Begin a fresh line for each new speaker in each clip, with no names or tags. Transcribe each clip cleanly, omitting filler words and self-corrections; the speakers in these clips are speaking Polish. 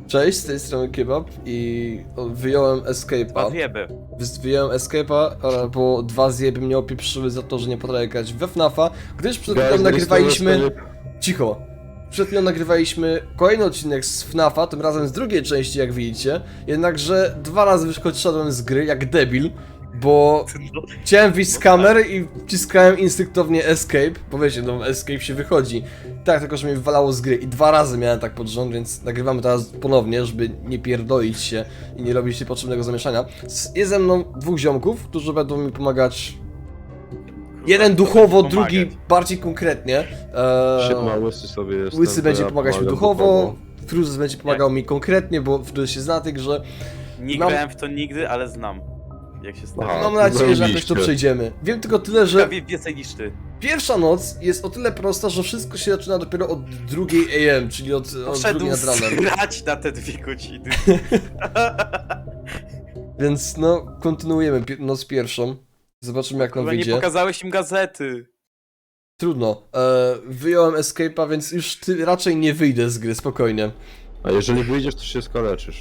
Cześć, z tej strony Kebab i wyjąłem Escape'a. Wyjąłem Escape'a, bo dwa zjeby mnie opieprzyły za to, że nie potrafię grać we FNAFa, gdyż przed chwilą nagrywaliśmy... Cicho! Przed chwilą nagrywaliśmy kolejny odcinek z FNAFa, tym razem z drugiej części, jak widzicie. Jednakże dwa razy wyszedłem z gry jak debil, bo chciałem wyjść z kamery i wciskałem instynktownie Escape, bo wiecie, no Escape się wychodzi. Tak, tylko że mnie wywalało z gry i dwa razy miałem tak pod rząd, więc nagrywamy teraz ponownie, żeby nie pierdolić się i nie robić niepotrzebnego zamieszania. Jest ze mną dwóch ziomków, którzy będą mi pomagać. Jeden duchowo, drugi bardziej konkretnie.
Siema, Łysy sobie jest.
Łysy będzie pomagać mi duchowo, Fruzes będzie pomagał mi konkretnie, bo Fruzes się zna tych, że...
Nie grałem w to nigdy, ale znam. Jak się stało.
Mam nadzieję, że jakoś to przejdziemy. Wiem tylko tyle, że
Więcej niż ty.
pierwsza noc jest o tyle prosta, że wszystko się zaczyna dopiero od 2 AM, czyli od 2 nad ranem.
Grać na te 2 godziny.
Więc no, kontynuujemy noc pierwszą. Zobaczymy jak nam
Chyba nie
wyjdzie.
pokazałeś im gazety.
Trudno. Wyjąłem Escape'a, więc już raczej nie wyjdę z gry, spokojnie.
A jeżeli wyjdziesz, to się skaleczysz.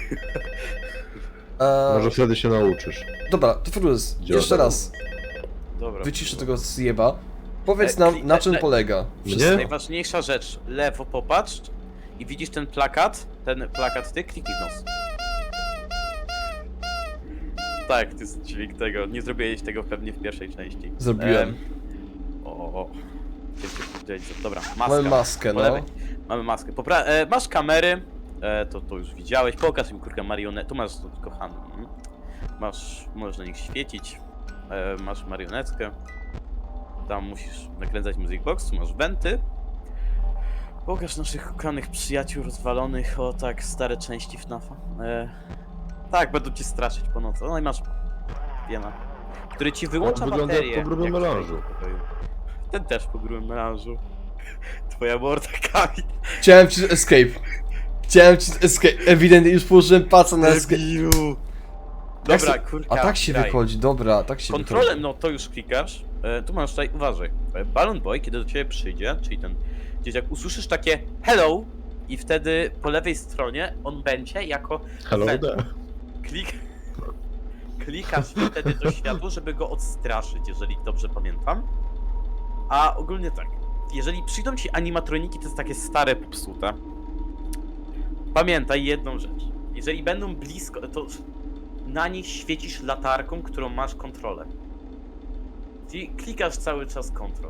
Może wtedy się nauczysz.
Dobra, to Fruz, jeszcze raz.
Dobra.
Wyciszę tego zjeba. Powiedz nam, na czym polega.
Mnie?
Najważniejsza rzecz. Lewo popatrz i widzisz ten plakat. Ten plakat ty, kliknij w nos. Tak, to jest dźwięk tego. Nie zrobiłeś tego pewnie w pierwszej części.
Zrobiłem.
Dobra, maska.
Mamy maskę,
Po
no.
lewej. Mamy maskę. Masz kamery. To już widziałeś. Pokaż mi kurka marionetę. Tu masz kochany. Możesz na nich świecić. Masz marionetkę. Tam musisz nakręcać music box. Tu masz wenty. Pokaż naszych kochanych przyjaciół rozwalonych. O tak, stare części FNAFa. Tak, będą cię straszyć po nocy. No i masz Jena, który ci wyłącza
On wygląda
baterię.
jak po grubym
jak
melanżu.
Ten też po grubym melanżu. Twoja morda, Kamil.
Chciałem ci escape. Ewidentnie już położyłem paca na escape.
Dobra, kurka.
A tak się
graj.
wychodzi, dobra, tak się
Kontrolem,
wychodzi.
no to już klikasz. Tu masz tutaj, uważaj. Balloon Boy, kiedy do ciebie przyjdzie, czyli ten gdzieś jak usłyszysz takie hello i wtedy po lewej stronie on będzie jako
Hello
vent.
there.
Klikasz wtedy to światło, żeby go odstraszyć, jeżeli dobrze pamiętam. A ogólnie tak, jeżeli przyjdą ci animatroniki, to jest takie stare, popsute. Pamiętaj jedną rzecz. Jeżeli będą blisko, to na nich świecisz latarką, którą masz kontrolę. Czyli klikasz cały czas kontrol.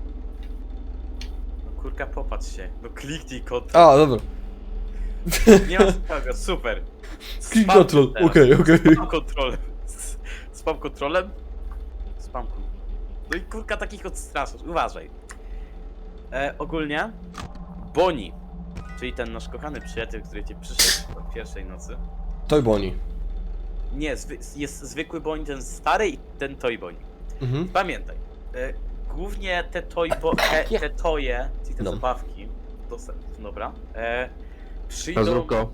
No kurka, popatrz się. No kliknij kontrol.
A, dobra.
Nie ma sprawy, super.
Click
Spam
control,
teraz.
okej.
Spam kontrolem. Spam kontrolem? Spam kontrolem. No i kurka takich odstraszasz, uważaj. Ogólnie Bonnie, czyli ten nasz kochany przyjaciel, który cię przyszedł po pierwszej nocy.
Toy Bonnie.
Nie, jest zwykły Bonnie, ten stary i ten Toy Bonnie.
Mhm.
Pamiętaj, głównie te te toje, czyli te
No.
zabawki, dobra, przyjdą...
Pazurko.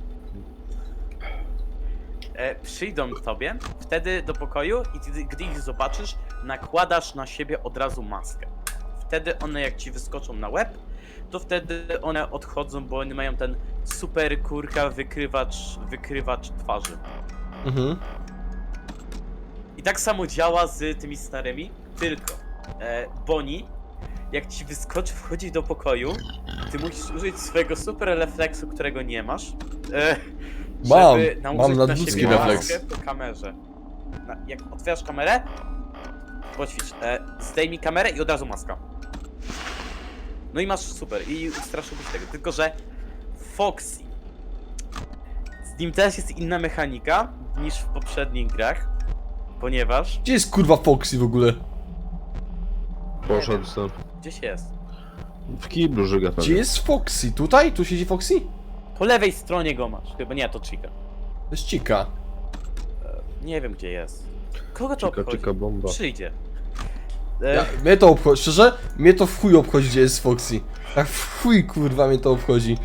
Przyjdą tobie, wtedy do pokoju i gdy ich zobaczysz, nakładasz na siebie od razu maskę. Wtedy one jak ci wyskoczą na łeb, to wtedy one odchodzą, bo one mają ten super kurka wykrywacz twarzy.
Mhm.
I tak samo działa z tymi starymi, tylko Bonnie, jak ci wyskoczy wchodzi do pokoju, ty musisz użyć swojego super refleksu, którego nie masz. Żeby
mam nadludzki
siebie
refleks.
maskę po kamerze. Jak otwierasz kamerę, poćwicz, zdejmij kamerę i od razu maska. No i masz super i straszyłbyś tego, tylko że Foxy, z nim też jest inna mechanika niż w poprzednich grach, ponieważ
Gdzie jest kurwa Foxy w ogóle?
Poszedł sam.
gdzieś jest.
W kiblu żyga pewnie.
Gdzie jest Foxy? Tutaj? Tu siedzi Foxy?
Po lewej stronie go masz, chyba nie, to Chica.
To jest Chica.
Nie wiem gdzie jest. Kogo to obchodzi?
Czyka bomba.
Przyjdzie.
Mnie to obchodzi, szczerze? Mnie to w chuj obchodzi, gdzie jest Foxy. Tak w chuj kurwa mnie to obchodzi.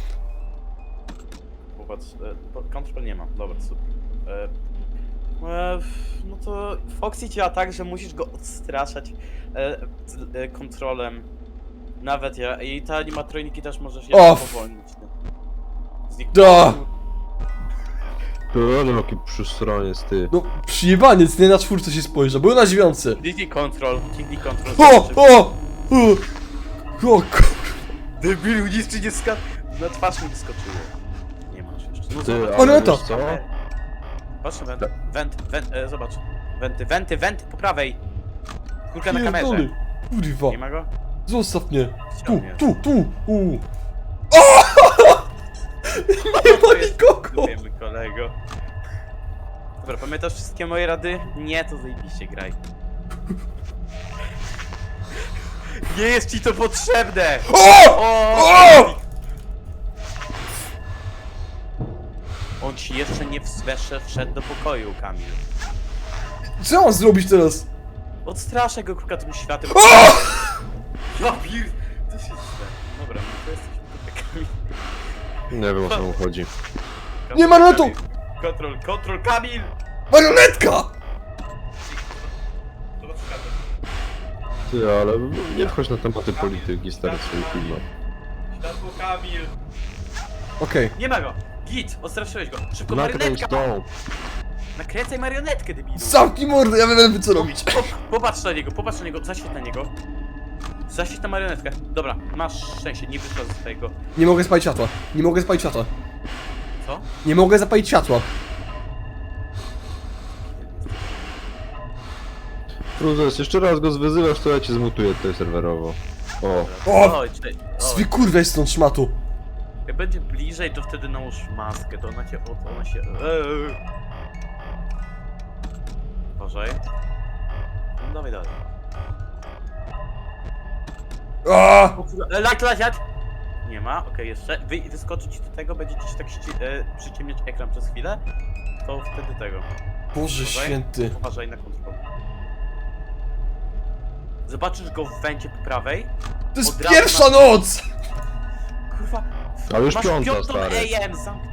Popatrz, kontrol nie ma, dobra, super. No to Foxy działa tak, że musisz go odstraszać kontrolem. Nawet ja. I te animatroniki też możesz je powolnić.
Da!
To ale jaki przystronie z ty.
No, przyjebaniec, nie na czwórce się spojrzał, był na dziewiątce.
Kliknij control.
O,
Debilu, nic ci nie ska... Na twarz mi wyskoczyło. Nie masz jeszcze. No
Ty,
zobacz.
ale
ale
to-
wiesz co?
Patrz na zobacz. Wenty, po prawej. Kurka na kamerze.
pierdolę. Kurwa,
Nie ma go?
zostaw mnie.
Chciał mnie.
Tu. Nie ma nikogo.
Wiemy, kolego. Dobra, pamiętasz wszystkie moje rady? Nie, to zajebiście graj. Nie jest ci to potrzebne!
O!
On ci jeszcze nie wszedł do pokoju, Kamil.
Co mam zrobić teraz?
Odstraszę go kruka tym światem. Wapir! To się źle. Dobra, no to jesteśmy tutaj, Kamil.
Nie wiem o co mu chodzi.
Nie ma lotu!
Kontrol, Kamil!
Marionetka!
Ty, ale nie wchodź na tematy polityki, stary, swoich filmach.
Światło, Kamil!
Okej.
Nie ma go! Git! Odstraszyłeś go! Szybko
Nakręć
marionetka!
tą.
Nakręcaj marionetkę, debilu!
Zamknij mordę, ja wiem co robić.
Popatrz na niego, zaświeć na niego. Zaświeć na marionetkę. Dobra, masz szczęście, nie wyszła ze swojego...
Nie mogę spalić światła.
Co?
Nie mogę zapalić światła.
Fruzes, jeszcze raz go zwyzywasz, to ja cię zmutuję tutaj serwerowo. O.
O!
Oj, czekaj.
Zwy kurwa jest stąd szmatu.
Jak będzie bliżej, to wtedy nałóż maskę, to ona cię... ona się... Uważaj. No dawaj dalej.
A!
Light! Nie ma, okej, jeszcze. Wyskoczy ci do tego, będzie ci tak przyciemniać ekran przez chwilę. To wtedy tego.
Boże
Uważaj.
święty.
Uważaj na kontrolę. Zobaczysz go w węcie po prawej.
To jest
Od razu
pierwsza noc!
Kurwa.
Ale już
masz
piąta,
piątą
stary.
AM, zamknij.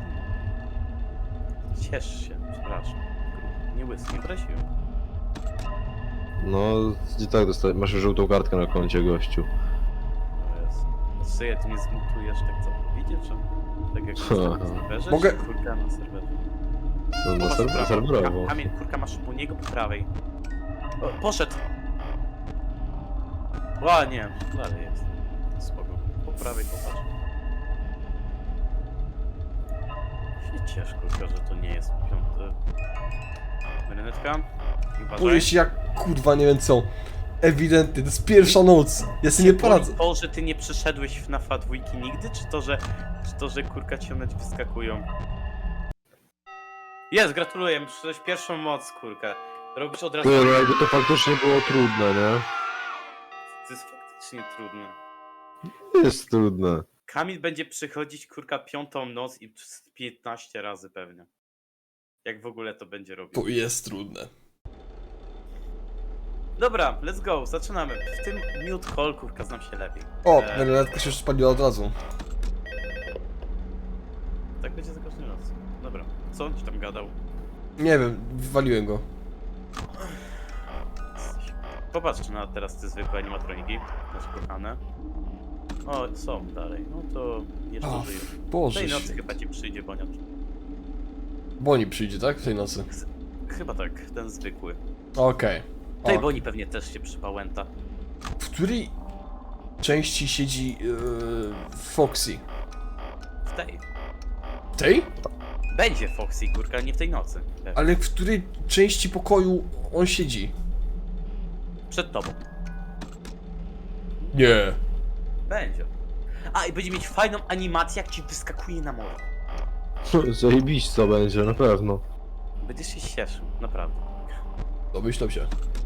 Ciesz się, przepraszam. Nie łysy, nie prosiłem.
No, i tak dostałeś, masz już żółtą kartkę na koncie, gościu.
No jest. Syję, ty nie zmutujesz tak co? Widzisz, że? Tak jak na serwerze?
Mogę-
czy Kurka na serwerze.
No, na
Popatrz po prawej.
serwerowo.
Kamil, kurka masz u niego po prawej. O, poszedł! O, nie, dalej jest. Spoko. Po prawej popatrz. Się ciesz, kurka, że to nie jest piąty. Marionetka? I uważaj.
Boję się jak kurwa nie wiem co. Ewidentnie, to jest pierwsza noc. Ja sobie nie poradzę.
To, że ty nie przyszedłeś w FNAF-a dwójki nigdy, czy to, że kurka ci one wyskakują? Jest, gratuluję, przyszedłeś pierwszą moc, kurka. Robisz od razu...
Ty, no jakby to faktycznie było trudne, nie?
To jest faktycznie trudne.
Jest trudne.
Kamil będzie przychodzić, kurka, piątą noc i 15 razy pewnie. Jak w ogóle to będzie robił.
To jest trudne.
Dobra, let's go, zaczynamy. W tym mute call, kurka, znam się lepiej.
O, marionetka się już spaliła od razu.
Tak będzie za każdym razem. Dobra, co on ci tam gadał?
Nie wiem, wywaliłem go.
Popatrz na teraz te zwykłe animatroniki, nasze kochane. O, są dalej, no to jeszcze
O,
żyją.
Boże
Tej nocy
święty.
chyba ci przyjdzie boniacz.
Boni przyjdzie, tak? W tej nocy.
Chyba tak, ten zwykły.
Okej.
Tej
O,
Boni pewnie też się przypałęta.
w której części siedzi Foxy?
W tej.
Tej?
Będzie Foxy, kurka, ale nie w tej nocy. Pewnie.
Ale w której części pokoju on siedzi?
Przed tobą.
Nie.
Będzie. A, i będzie mieć fajną animację, jak ci wyskakuje na morze.
Zajebiście będzie, na pewno.
Będziesz się cieszył, naprawdę.
Domyślam się.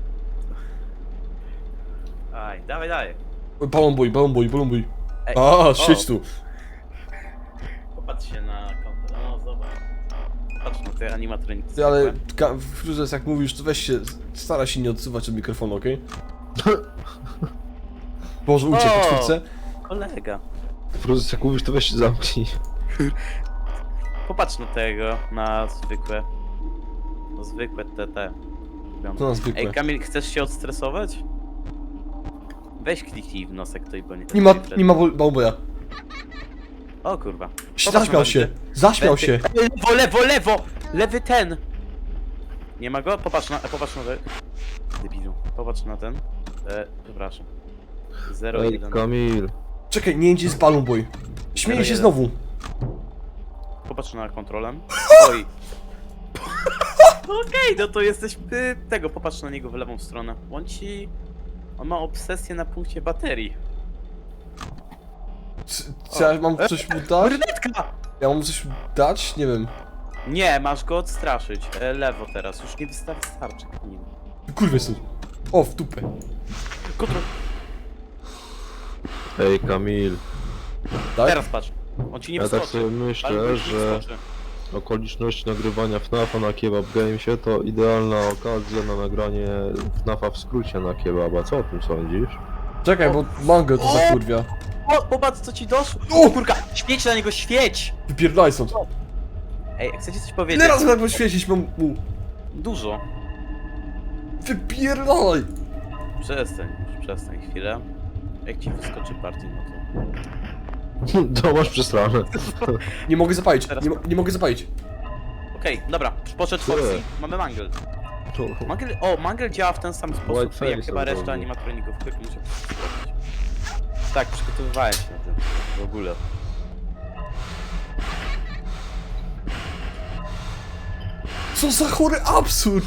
Aj, dawaj.
Balonbój.
Ej,
A, siedź tu.
Popatrz się na konto, no zobacz. Popatrz na te animatroniki.
Ty, ale
zwykłe.
Fruzes, jak mówisz, to weź się, stara się nie odsuwać od mikrofonu, okej? Boże, uciekł po
O!
czwórce.
Kolega.
Fruzes, jak mówisz, to weź się zamknij.
Popatrz na tego, na zwykłe. No zwykłe te.
To na zwykłe.
Ej, Kamil, chcesz się odstresować? Weź kliknij w nosek tej boni.
Nie ma balonboja.
O kurwa.
Zaśmiał się, zaśmiał się.
Lewo, lewo, lewo! Lewy ten! Nie ma go? Popatrz na ten. Debilu. Popatrz na ten. Przepraszam. 0,
Ej,
1.
Kamil.
Czekaj, nie gdzie jest Balloon Boy. Śmieje się znowu.
Popatrz na kontrolę. Oj. Okej, no to jesteś tego, popatrz na niego w lewą stronę. On ma obsesję na punkcie baterii.
Czy ja mam coś mu dać?
Brunetka!
Ja mam coś dać? Nie wiem.
Nie, masz go odstraszyć. Lewo teraz, już nie wystarczy nim.
Kurwa jest tu. O, w dupę.
Kontrol.
Ej, Kamil.
Tak?
Teraz patrz. On ci nie
Ja
wskoczy.
tak sobie myślę,
Albo ci nie
że
wskoczy.
okoliczność nagrywania FNAF-a na Kebab Gamesie to idealna okazja na nagranie FNAF-a w skrócie na kebaba. Co o tym sądzisz?
Czekaj, bo mango to zakurwia.
O, popatrz co ci doszło.
O!
Kurka, świeć na niego, świeć!
Wypierdalaj stąd.
Ej, chcecie coś powiedzieć?
Ile razy tak poświecić mam mu?
Dużo.
Wypierdalaj!
Przestań chwilę. Jak ci wyskoczy partii, no to...
To masz przesrane.
Nie mogę zapalić,
Teraz-
nie mogę zapalić.
Okej, dobra, poszedł Foxy, mamy Mangle. Mangle działa w ten sam sposób,
White
jak
face
chyba
od
reszta
razu.
animatroników. Muszę sprawdzić. Tak, przygotowywałem się na tym, w ogóle.
Co za chory absurd!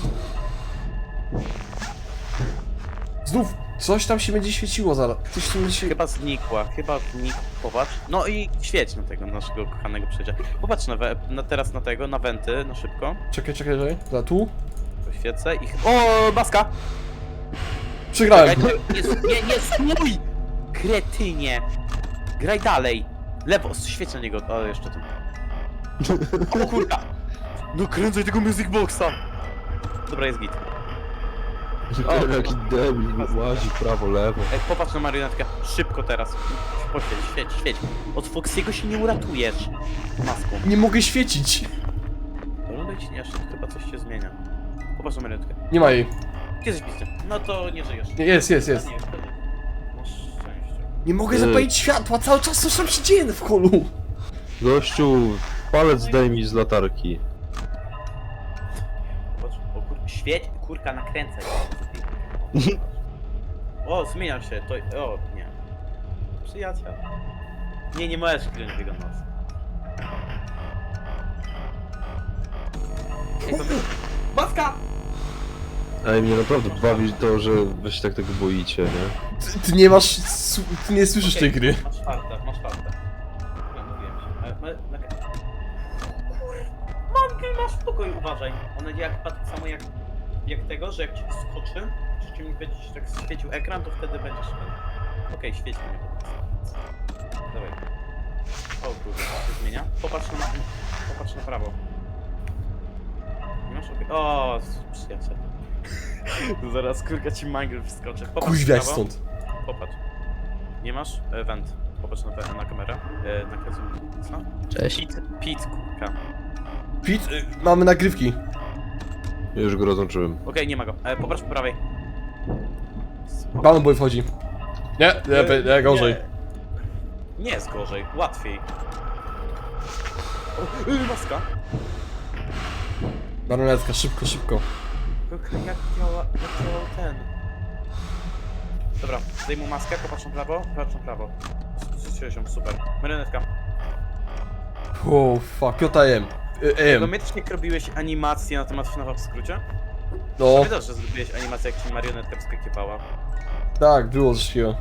Znów coś tam się będzie świeciło zaraz. Coś tam będzie się...
Chyba znikła, popatrz. No i świeć na tego naszego kochanego przyjaciela. Popatrz teraz na tego, na wenty, na szybko.
Czekaj. Za tu?
Poświecę i... O, maska!
Przegrałem.
Czekaj, nie, stój! Kretynie! Graj dalej! Lewo, świeć na niego, o jeszcze tu. O kurka! No kręcaj tego Music Boxa! Dobra, jest git.
Jaki debil łazi prawo, lewo.
Ej, popatrz na marionetkę, szybko teraz. Poświeć, świeć. Od Foxiego się nie uratujesz. Maską.
Nie mogę świecić.
Wyglądaj ci nie, jeszcze chyba coś się zmienia. Popatrz na marionetkę.
Nie ma jej.
Gdzie jesteś pisty? No to nie żyjesz.
Nie, jest.
Nie, wtedy. Masz szczęście.
Nie mogę zapalić światła, cały czas coś tam się dzieje w holu.
Gościu, palec zdejmij z latarki.
Popatrz, o kurka, świeć, kurka nakręcaj. O, zmienia się, to... O, nie. Przyjaciel. Nie możesz kręcić tego nosa. Ej, maska!
Ej,
Mnie naprawdę bawi to, że wy się tak tego boicie, nie?
Ty nie masz... Ty nie słyszysz tej gry.
Masz czwarte. Ja mówiłem się. Mangiel, masz spokój, uważaj. Ona działa chyba tak samo jak tego, że jak ci skoczy, czy ci będzie się tak świecił ekran, to wtedy będziesz... Okej, świeć mnie po prostu. Dawaj. O kurde, się zmienia. Popatrz na prawo. Nie masz? Okej. O, przyjaciel. Zaraz kurka ci mangiel wskoczy. Popatrz
Kuźwiać
w prawo.
stąd.
Popatrz. Nie masz? Went. Popatrz na kamerę. Na co?
Cześć.
Pit, kurka.
Pit, mamy nagrywki.
Już go rozłączyłem.
Okej, nie ma go. Popatrz po prawej.
Balloon Boy wchodzi. Nie, gorzej.
Nie jest gorzej, łatwiej. O, maska.
Marionetka, szybko.
Kurka, jak działał ten? Dobra, zdejmij maskę, popatrz na prawo. Zrzuciłeś ją, super. Marionetka.
Oh fuck, JM.
Pamiętasz jak robiłeś animację na temat FNAF w skrócie?
No,
Pamiętasz, że zrobiłeś animację jak ci marionetka wskakiwała?
tak, było coś takiego.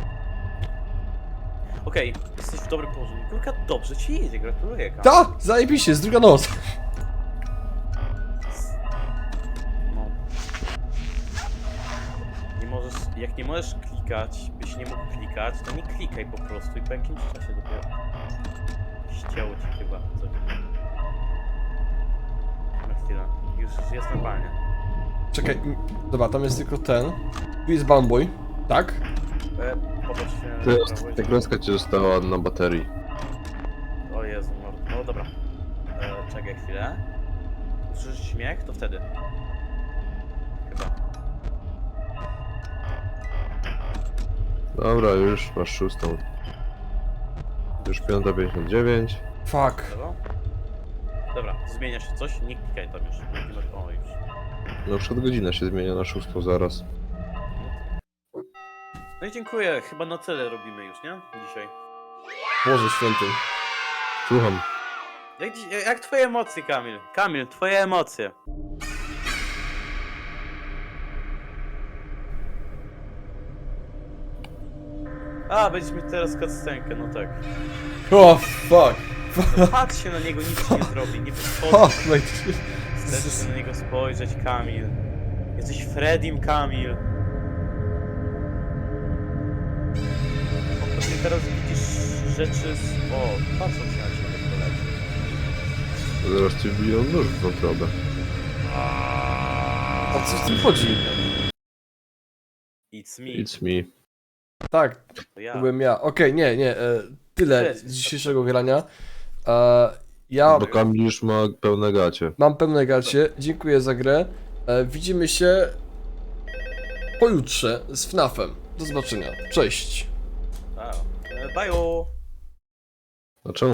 Okej, jesteś w dobrym położeniu. Kurka, dobrze ci jedzie, gratuluję. Kam.
Ta, zajebiście, jest druga noc.
No. Jak nie możesz klikać, byś nie mógł klikać, to nie klikaj po prostu i po jakimś czasie dopiero ścięło ci chyba coś. Na chwilę, już jest normalnie.
Czekaj, dobra, tam jest tylko ten. Tu jest Balloon Boy, tak?
Popatrz się
To
na
jest,
prawo i-
ta kreska ci została na baterii.
O Jezu, no dobra. Czekaj chwilę. Usłyszysz śmiech? To wtedy. Chyba.
Dobra, już masz 6. Już 5:59.
Fuck.
Dobra, zmienia się coś? Nie klikaj tam już. Nie masz... O, już.
No przed godzinę się zmienia na 6 zaraz.
No i dziękuję, chyba na tyle robimy już, nie? Dzisiaj.
Boże święty.
Słucham.
Jak twoje emocje, Kamil? Kamil, twoje emocje. A, będziesz mieć teraz cutscenkę, no tak.
O, fuck.
Patrz się na niego, nic ci nie zrobi, nie podchodzi.
Fuck, mate.
Chcesz na niego spojrzeć, Kamil. Jesteś Fredim, Kamil. Pewnie teraz widzisz rzeczy z... O, patrzą się na ciebie koledzy.
Zaraz ci wbiją nóż w wątrobę.
O co w tym chodzi?
It's me.
It's me.
Tak,
To ja.
to byłem ja. Okej, nie, tyle
Cześć.
z dzisiejszego grania. Ja
Bo Kamil już ma pełne gacie.
mam pełne gacie, dziękuję za grę. Widzimy się pojutrze z FNAF-em. Do zobaczenia, cześć.
Bye.
A czemu